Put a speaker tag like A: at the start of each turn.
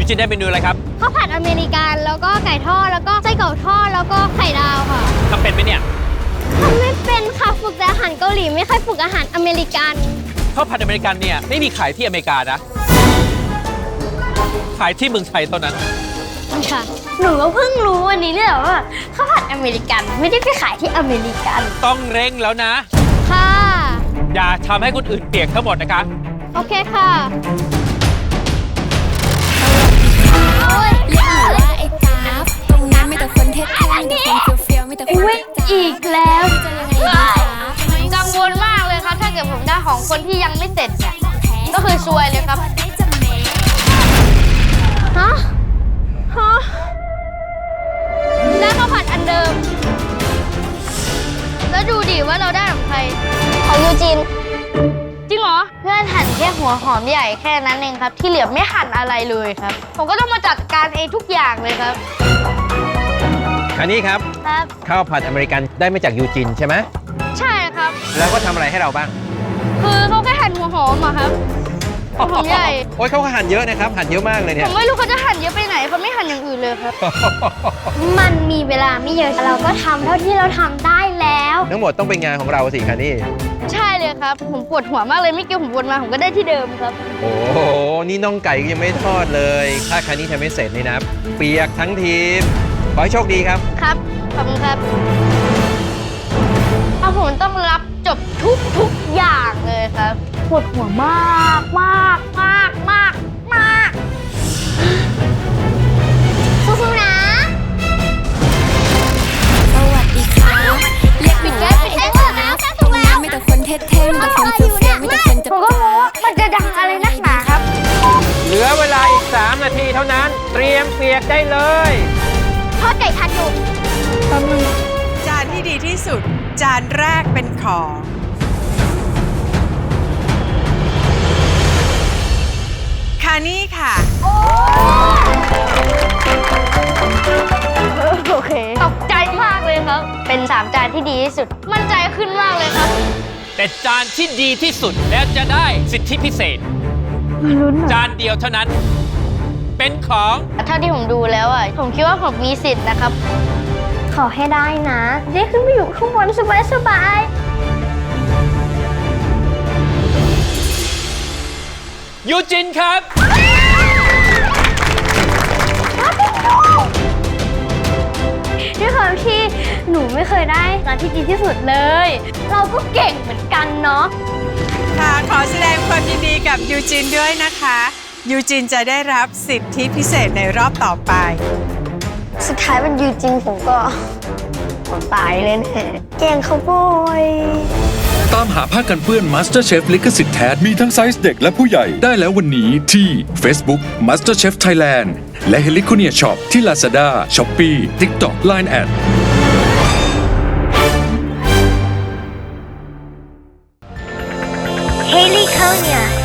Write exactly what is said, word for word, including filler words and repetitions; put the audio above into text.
A: จินได้เมนูอะไรครับ
B: ข้าวผัดอเมริกันแล้วก็ไก่ทอดแล้วก็ไส้กรอกทอดแล้วก็ไข่ดาวค่ะ
A: ทำเป็นไหมเนี่ย
B: ทำไม่เป็นค่ะฝึกแต่อาหารเกาหลีไม่ค่อยฝึกอาหารอเมริกัน
A: ข้าวผัดอเมริกันเนี่ยไม่มีขายที่อเมริกานะ ขายที่เมืองไทยเท่านั้น
B: ค่ะ หนูก็เพิ่งรู้วันนี้เลยว่าข้าวผัดอเมริกันไม่ได้ไปขายที่อเมริกัน
A: ต้องเร่งแล้วนะ
B: ค่ะ
A: อย่าทำให้คนอื่นเปียกทั้งหมดนะคะ
B: โอเคค่ะโอ้ย
C: เรียกหนูว่าไอ้กราฟตรงนั้นมีแต่คนเท่ๆมีแต่คนเฟี้ยวๆมีแต่คน
B: อุ๊ยอีกแล้ว
C: จะยังไงดีคะ
B: กังวลมากเลยครับ ถ้าเกิดผมได้ของคนที่ยังไม่เสร็จเนี่ยก็คือซวยเลยครับ ฮะ ฮะ ได้ข้าวผัดอันเดิม แล้วดูดิว่าเราได้ของใคร ของยูจิน จริงเหรอ เพื่อนหั่นแค่หัวหอมใหญ่แค่นั้นเองครับ ที่เหลือไม่หั่นอะไรเลยครับ ผมก็ต้องมาจัดการเองทุกอย่างเลยครับ
D: อันนี้ครับ
B: ครับ
D: ข้าวผัดอเมริกันได้มาจากยูจินใช่ไหม
B: ใช่ครับ
D: แล้วก็ทำอะไรให้เราบ้าง
B: คือเขาแค่หั่นหัวหอมอะครับหัวหอมใหญ่
D: โอ้ยเขาก็หั่นเยอะนะครับ หั่นเยอะมากเลย
B: ผ
D: เนี่ย
B: มไม่รู้เขาจะหั่นเยอะไปไหนเขาไม่หั่นอย่างอื่นเลยครับ มันมีเวลาไม่เยอะเราก็ทำเท่าที่เราทำได้แล้ว
D: ทั้งหมดต้องเป็นงานของเราสิคะนี่
B: ใช่เลยครับ ผมปวดหัวมากเลยไม่เกี่ยวผมวนมาผมก็ได้ที่เดิมครับ
D: โอ้โห นี่น่องไก่ก็ยังไม่ทอดเลย ถ้าคันนี้ทำไม่เสร็จนี่นะ เปียกทั้งทีม ขอให้โชคดีครับ
B: ครับ ขอบคุณครับเอาผมต้องรับจบทุกทุกอย่างเลยครับปวดหัวมากมากมากมากมากสู้ๆนะ
C: สวัสดีค่ะเรียกหนูว่าไอ้
B: ปิดแก๊
C: ก
B: ส
C: รา
B: ปิดแก๊ส
C: ฟตรงนั้นมีแต่คนเท่ๆมีแต่คนเฟี้ยวๆมีแต่คนจะ
B: ผมก็รู้ว่ามันจะดังอะไรนักหนาครับ
D: เหลือเวลาอีก สาม นาทีเท่านั้น เตรียมเปียกได้เลย
B: ทอดไก่ทันอยู่
E: จานที่ดีที่สุด จานแรกเป็นของคานี่ค่ะ
B: โอเค ตกใจมากเลยครับ เป็นสามจานที่ดีที่สุด มั่นใจขึ้นมากเลยครับ
A: แต่จานที่ดีที่สุดแล้วจะได้สิทธิพิเศษ จานเดียวเท่านั้น เป็นของ
B: เท่าที่ผมดูแล้วอ่ะ ผมคิดว่าผมมีสิทธิ์นะครับ ขอให้ได้นะได้ขึ้นไปอยู่ข้างบนสบายสบาย
A: ยูจินครับ
B: ด้วยความที่หนูไม่เคยได้ร้านที่ดีที่สุดเลย เราก็เก่งเหมือนกันเนาะ
E: ค่ะ ขอแสดงความยินดีกับยูจินด้วยนะคะ ยูจินจะได้รับสิทธิพิเศษในรอบต่อไป
B: สุดท้ายมันอยู่จริงผมก็ผมตายเลยแน่เก่งเขาโบย
F: ตามหาผ้ากันเปื้อน MasterChef ลิขสิทธิ์แท้มีทั้งไซส์เด็กและผู้ใหญ่ได้แล้ววันนี้ที่ Facebook MasterChef Thailand และ Heliconia Shop ที่ Lazada, Shopee, TikTok, ไลน์ แอด
B: Heliconia